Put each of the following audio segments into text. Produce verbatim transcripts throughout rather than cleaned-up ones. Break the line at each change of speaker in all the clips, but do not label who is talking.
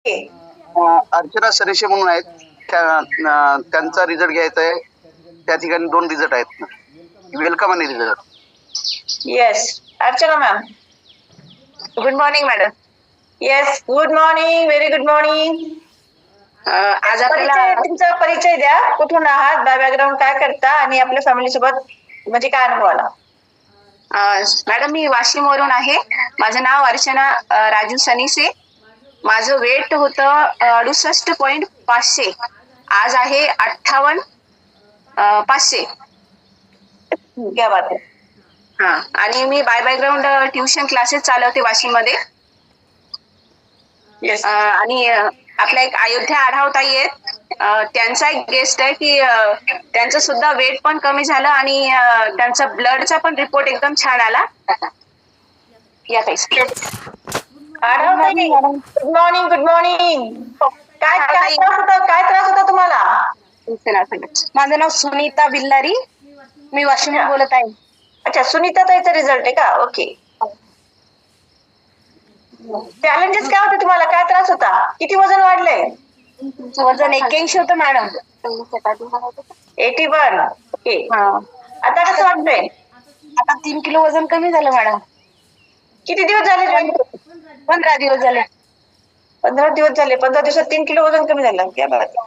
अं, अर्चना सरेशे म्हणून आहेत. त्या अं, त्यांचा रिझल्ट घ्यायचा आहे. त्या ठिकाणी दोन रिझल्ट आहेत. वेलकम आणि result.
Yes, Archana ma'am.
Good morning madam.
Yes, good morning, very good morning.
आज आपल्याला
परिचय, तुमचा परिचय द्या. कुठून आहात, बॅकग्राऊंड काय करता आणि आपल्या फॅमिली सोबत म्हणजे काय अनुभव आला?
मॅडम मी वाशिमवरून आहे. माझं नाव अर्चना अ, राजू सनीसे. माझं वेट होतं अडुसष्ट पॉईंट पाचशे. आज आहे अठ्ठावन्न अ, पाचशे.
क्या बात आहे.
हा, आणि मी बाय बॅकग्राऊंड ट्युशन क्लासेस चालवते वाशिम मध्ये.
येस.
आणि अ, आपल्या एक अयोध्या आढाव ताई आहेत. अ, त्यांचा एक गेस्ट आहे की अ, त्यांचं सुद्धा वेट पण कमी झालं आणि अ, त्यांचा ब्लडचा पण रिपोर्ट एकदम छान आला. या ताई.
आढाव ताई, गुड मॉर्निंग, गुड मॉर्निंग. काय
हा,
काय
ताई.
त्रास होता, काय त्रास होता तुम्हाला?
माझं नाव सुनीता बिल्लारी. मी वाशिम बोलत आहे.
अच्छा, सुनीता ताईचा रिझल्ट आहे का? ओके. चॅलेंजेस काय होते तुम्हाला, काय त्रास होता, किती वजन वाढलंय?
वजन एक्क्याऐंशी होतं मॅडम.
Eighty one. ओके.
हा,
आता कसं वाटतंय?
आता तीन किलो वजन कमी झालं मॅडम.
किती दिवस झाले join करून?
पंधरा दिवस झाले.
पंधरा दिवस झाले. पंधरा दिवसात तीन किलो वजन कमी झालं. क्या बात आहे.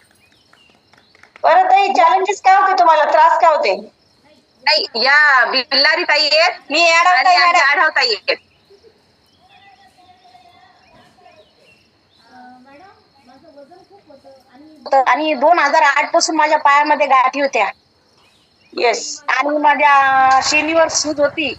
बरं ताई, चॅलेंजेस काय होते तुम्हाला, त्रास काय होते?
नाही, या बिल्लारी ताई आहेत.
मी आढाव
आणि
ताई,
आमच्या
मॅडम.
आढाव ताई आहेत. आणि दोन हजार आठ पासून माझ्या पायामध्ये गाठी होत्या.
येस.
आणि माझ्या शेनीवर सूज होती.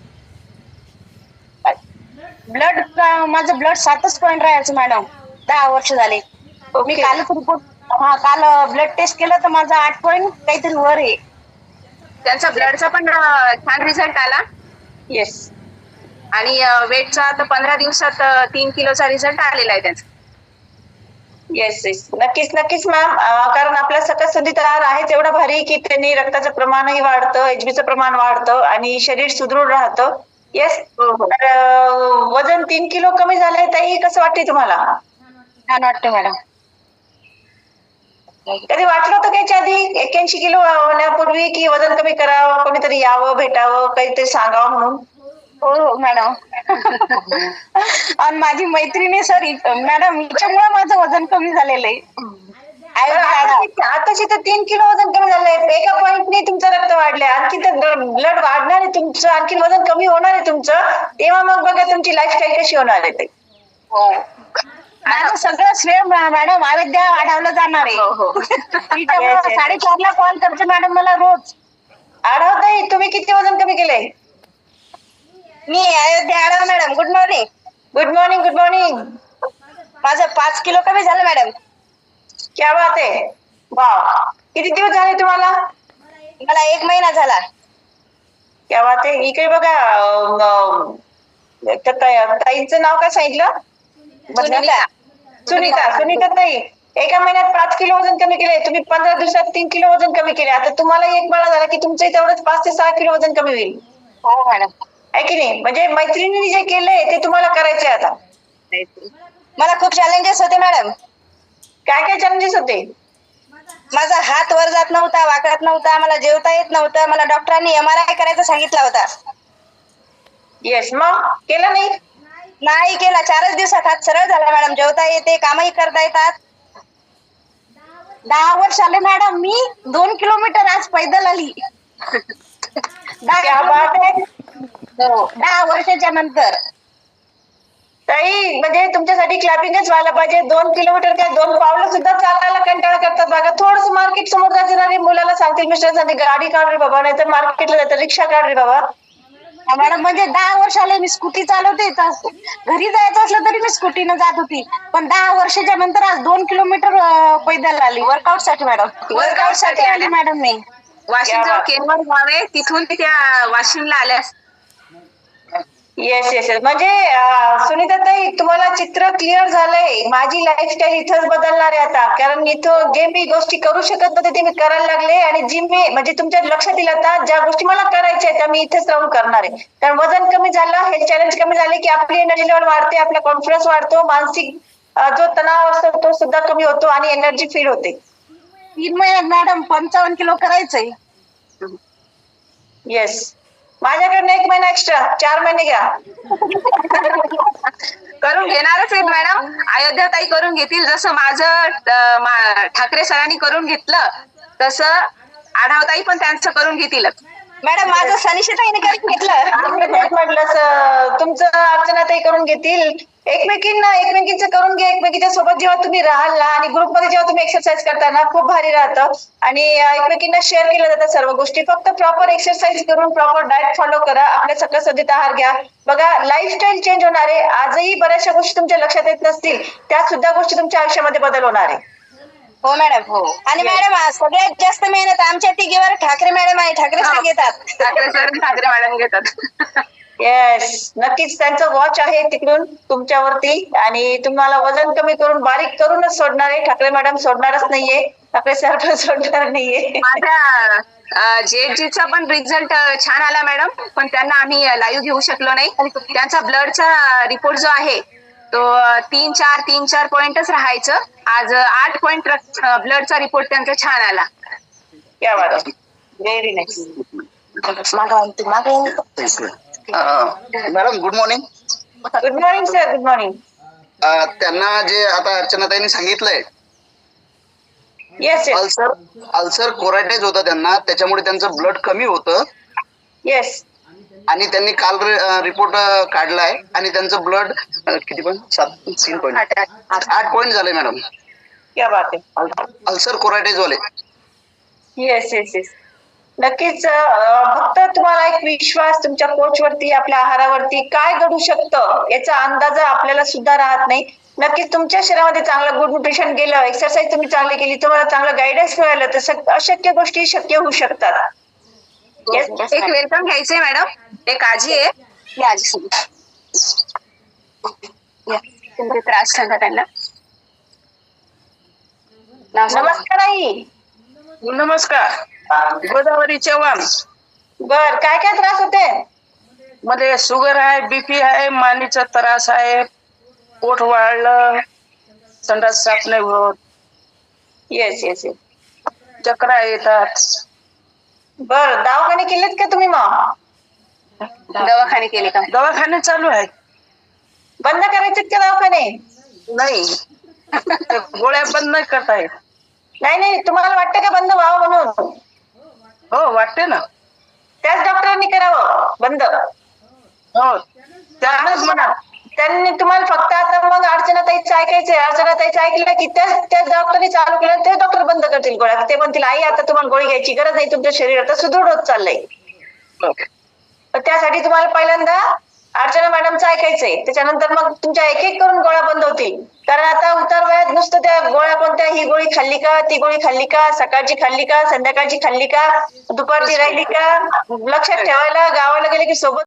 ब्लड माझं ब्लड सातच पॉईंट राहायचं मॅडम. दहा वर्ष झाले. मी
ओके.
कालच रिपोर्ट हा काल ब्लड टेस्ट केलं तर माझा आठ पॉईंट काहीतरी वर आहे. त्यांचा ब्लडचा पण अ, छान रिझल्ट आला.
येस.
आणि वेटचा आता पंधरा दिवसात अ, तीन किलोचा रिझल्ट आलेला आहे त्यांचा.
येस येस, नक्कीच नक्कीच मॅम. कारण आपल्या सकस संधीत आहार आहेच एवढा भारी की त्यांनी रक्ताचं प्रमाणही वाढतं, एचबीचं प्रमाण वाढतं आणि शरीर सुदृढ राहतं. येस.
हो हो,
तर अं, वजन तीन किलो कमी झालंय ताई, कसं वाटते तुम्हाला?
छान वाटतं मॅडम.
कधी वाटलं होतं का याच्या आधी एक्क्याऐंशी किलो होण्यापूर्वी की वजन कमी करावं, कोणीतरी यावं, भेटावं, काहीतरी सांगावं म्हणून?
हो हो मॅडम. आणि माझी मैत्रिणी सर मॅडम हिच्यामुळे माझं वजन कमी झालेलं आहे.
बरं, आताशी आताशी तर तीन किलो वजन कमी झालंय. एका पॉईंटने तुमचं रक्त वाढलंय, आणखी तर ब्लड वाढणार आहे तुमचं, आणखी वजन कमी होणार आहे तुमचं. तेव्हा मग बघा तुमची लाईफस्टाईल कशी होणार आहे ते.
हो, माझं सगळं श्रेय मॅडम अयोध्या आढावलं जाणार आहे. तिच्यामुळे साडेचारला कॉल करते मॅडम मला रोज.
आढाव ताई, तुम्ही किती वजन कमी केलंय?
मी Ayodhya Adhav madam. Good morning.
Good morning, good morning.
माझं पाच किलो कमी झालं मॅडम.
क्या बात आहे. वाव. किती दिवस झाले तुम्हाला?
मला एक महिना झाला.
क्या बात आहे. इकडे बघा, अं, त्या ताई- ताईंचं नाव काय सांगितलं?
सुनीता.
सुनीता. सुनीता ताई, एका महिन्यात पाच किलो वजन कमी केले. तुम्ही पंधरा दिवसात तीन किलो वजन कमी केले. आता तुम्हाला एक महिना झाला की तुमचं तेवढंच पाच ते सहा किलो वजन कमी होईल.
हो मॅडम.
आहे की नाही? म्हणजे मैत्रिणींनी जे केलंय ते तुम्हाला करायचंय आता.
मला खूप चॅलेंजेस होते मॅडम.
काय काय चॅलेंजेस होते?
माझा हात वर जात नव्हता, वाकत नव्हता, मला जेवता येत नव्हतं. मला डॉक्टरांनी एम आर आय करायचा सांगितला होता.
येस. मग केलं नाही?
नाही केला. चारच दिवसात हात सरळ झाला मॅडम. जेवता येते, कामही करता येतात. दहा वर्ष आले मॅडम. मी दोन किलोमीटर आज पैदल आली.
क्या बात आहे.
दहा वर्षाच्या नंतर.
ताई, म्हणजे तुमच्यासाठी क्लॅपिंगच व्हायला पाहिजे. दोन किलोमीटर काय, दोन पावलं सुद्धा चालायला कंटाळा करतात बघा. थोडस मार्केट समोर जाणारे मुलाला सांगतील मिस्टर गाडी काढ रे बाबा, नाही तर मार्केटला जायचं, रिक्षा काढ रे बाबा.
मॅडम म्हणजे दहा वर्ष आले मी स्कूटी चालवते. घरी जायचं असलं तरी मी स्कूटीनं जात होती. पण दहा वर्षाच्या नंतर आज दोन किलोमीटर पैदल आली वर्कआउट साठी मॅडम. वर्कआउट साठी आली मॅडम मी. वाशिम जवळ केनवर गाव आहे, तिथून त्या वाशिमला आल्या.
Yes yes yes. म्हणजे सुनीता ताई, तुम्हाला चित्र क्लिअर झालंय. माझी लाईफस्टाईल इथंच बदलणार आहे आता. कारण इथं जे मी गोष्टी करू शकत नव्हते ते मी करायला लागले, आणि जी मी म्हणजे तुमच्या लक्षात येईल आता ज्या गोष्टी मला करायच्या त्या मी इथेच राहून करणार आहे. कारण वजन कमी झालं, हे चॅलेंज कमी झाले की आपली एनर्जी लेवल वाढते, आपला कॉन्फिडन्स वाढतो, मानसिक अं, जो तणाव असतो तो सुद्धा कमी होतो आणि एनर्जी फील होते.
तीन महिन्यात मॅडम पंचावन्न किलो करायचंय.
येस, माझ्याकडनं एक महिना एक्स्ट्रा, चार महिने घ्या.
करून घेणारच आहेत मॅडम. अयोध्या ताई करून घेतील, जसं माझं अं, मा- ठाकरे सरांनी करून घेतलं तसं आढावताई पण त्यांचं करून घेतीलच.
मॅडम माझं सनिशिताईने करून घेतलं.
आपलं तेच म्हटलं स- तुमचं अर्चनाताई करून घेतील. एकमेकींना एकमेकींचं करून घ्या. एकमेकीच्या सोबत जेव्हा तुम्ही राहाल ना आणि ग्रुपमध्ये जेव्हा तुम्ही एक्सरसाइज करता ना, खूप भारी राहतं आणि अं, एकमेकींना शेअर केल्या जातात सर्व गोष्टी. फक्त प्रॉपर एक्सरसाइज करून प्रॉपर डाएट फॉलो करा. आपल्या सकस सदित आहार घ्या. बघा, लाईफस्टाईल चेंज होणार आहे. आजही बऱ्याचशा गोष्टी तुमच्या लक्षात येत नसतील, त्या सुद्धा गोष्टी तुमच्या आयुष्यामध्ये बदल होणार आहे.
हो मॅडम. हो. आणि मॅडम सगळ्यात जास्त मेहनत आमच्या तिघीवर ठाकरे मॅडम आहे. ठाकरे सर घेतात.
ठाकरे सर आणि ठाकरे मॅडम घेतात.
येस, नक्कीच त्यांचं वॉच आहे तिकडून तुमच्यावरती आणि तुम्हाला वजन कमी करून बारीक करूनच सोडणार आहे. ठाकरे मॅडम सोडणारच नाहीये, ठाकरे सर पण सोडणार नाहीये.
माझ्या जेजीचा पण रिझल्ट छान आला मॅडम, पण त्यांना आम्ही लाईव्ह घेऊ शकलो नाही. त्यांचा ब्लडचा रिपोर्ट जो आहे तो तीन चार तीन चार पॉइंटच राहायचं. आज आठ पॉइंट ब्लडचा रिपोर्ट त्यांचा छान आला.
क्या बात आहे, very nice.
Madam good morning.
Good morning sir, good morning.
त्यांना जे आता अर्चनाताईंनी सांगितलंय,
yes yes
ulcer ulcer cauterize होतं त्यांना, त्याच्यामुळे त्यांचं ब्लड कमी होतं
येस.
आणि त्यांनी काल रिपोर्ट काढलाय आणि त्यांचं ब्लड किती पण सात तीन पॉईंट आठ पॉईंट झालंय मॅडम.
क्या बात आहे.
अल्सर कोरायटाईज वाले.
येस येस येस, नक्कीच. अं, फक्त तुम्हाला एक विश्वास तुमच्या कोच वरती, आपल्या आहारावरती काय घडू शकतं याचा अंदाज आपल्याला सुद्धा राहत नाही. नक्कीच तुमच्या शरीरामध्ये चांगलं गुड न्यूट्रिशन गेलं, एक्सरसाइज तुम्ही चांगली केली, तुम्हाला चांगलं गायडन्स मिळालं तर सग- अशक्य गोष्टी शक्य होऊ शकतात. Yes, yes,
एक वेलकम घ्यायचंय मॅडम. एक आजी आहे,
या आजी सोबत.
या, तुमचे त्रास सांगा त्यांना. नाव सांगा.
नमस्कार आई.
नमस्कार. गोदावरी चव्हाण.
बर, काय काय त्रास होते?
मध्ये शुगर आहे, बीपी आहे, मानेचा त्रास आहे, पोट वाढलं, संडास साफ नाही होत,
येस येस येस.
चक्रा येतात.
बर, दवाखाने केलेत का तुम्ही मग?
दवाखाने केले का?
दवाखाने चालू आहेत.
बंद करायचे का दवाखाने?
नाही, ते गोळ्या बंद नाही करता येत.
नाही नाही, तुम्हाला वाटतं का बंद व्हावं म्हणून?
हो वाटते ना.
त्याच डॉक्टरांनी करावं बंद.
हो त्यानंच म्हणा.
त्यांनी तुम्हाला फक्त आता मग अर्चनाताईचं ऐकायचंय. अर्चनाताईचं ऐकलं की त्याच त्याच डॉक्टरनी चालू केलं, ते डॉक्टर बंद करतील गोळ्या. ते म्हणतील आई आता तुम्हाला गोळी घ्यायची गरज नाही, तुमच्या शरीर आता सुदृढ होत चाललंय. तर त्यासाठी तुम्हाला पहिल्यांदा अर्चना मॅडमचं ऐकायचंय, त्याच्यानंतर मग तुमच्या एक एक करून गोळ्या बंद होतील. कारण आता उतार वयात नुसतं त्या गोळ्या कोणत्या, ही गोळी खाल्ली का, ती गोळी खाल्ली का, सकाळची खाल्ली का, संध्याकाळची खाल्ली का, दुपारची राहिली का, लक्षात ठेवायला गावाला गेले की सोबत